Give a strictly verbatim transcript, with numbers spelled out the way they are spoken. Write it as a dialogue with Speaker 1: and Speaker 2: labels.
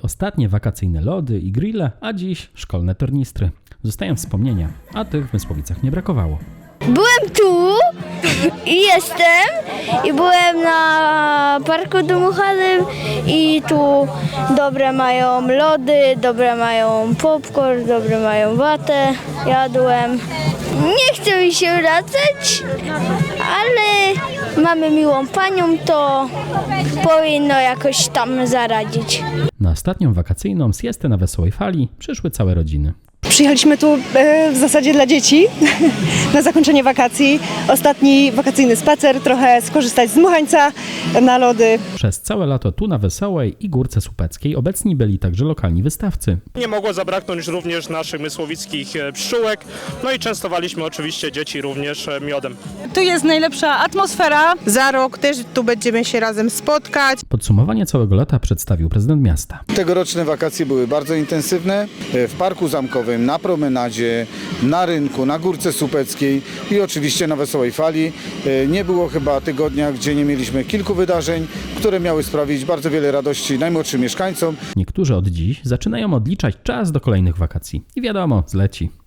Speaker 1: Ostatnie wakacyjne lody i grille, a dziś szkolne tornistry. Zostają wspomnienia, a tych w Mysłowicach nie brakowało.
Speaker 2: Byłem tu i jestem i byłem na parku dmuchanym i tu dobre mają lody, dobre mają popcorn, dobre mają watę, jadłem. Nie chce mi się wracać, ale mamy miłą panią, to powinno jakoś tam zaradzić.
Speaker 1: Na ostatnią wakacyjną siestę na Wesołej Fali przyszły całe rodziny.
Speaker 3: Przyjechaliśmy tu e, w zasadzie dla dzieci na zakończenie wakacji. Ostatni wakacyjny spacer, trochę skorzystać z dmuchańca na lody.
Speaker 1: Przez całe lato tu na Wesołej i Górce Słupeckiej obecni byli także lokalni wystawcy.
Speaker 4: Nie mogło zabraknąć również naszych mysłowickich pszczółek, no i częstowaliśmy oczywiście dzieci również miodem.
Speaker 5: Tu jest najlepsza atmosfera.
Speaker 6: Za rok też tu będziemy się razem spotkać.
Speaker 1: Podsumowanie całego lata przedstawił prezydent miasta.
Speaker 7: Tegoroczne wakacje były bardzo intensywne. W Parku Zamkowym, na promenadzie, na rynku, na Górce Słupeckiej i oczywiście na Wesołej Fali. Nie było chyba tygodnia, gdzie nie mieliśmy kilku wydarzeń, które miały sprawić bardzo wiele radości najmłodszym mieszkańcom.
Speaker 1: Niektórzy od dziś zaczynają odliczać czas do kolejnych wakacji. I wiadomo, zleci.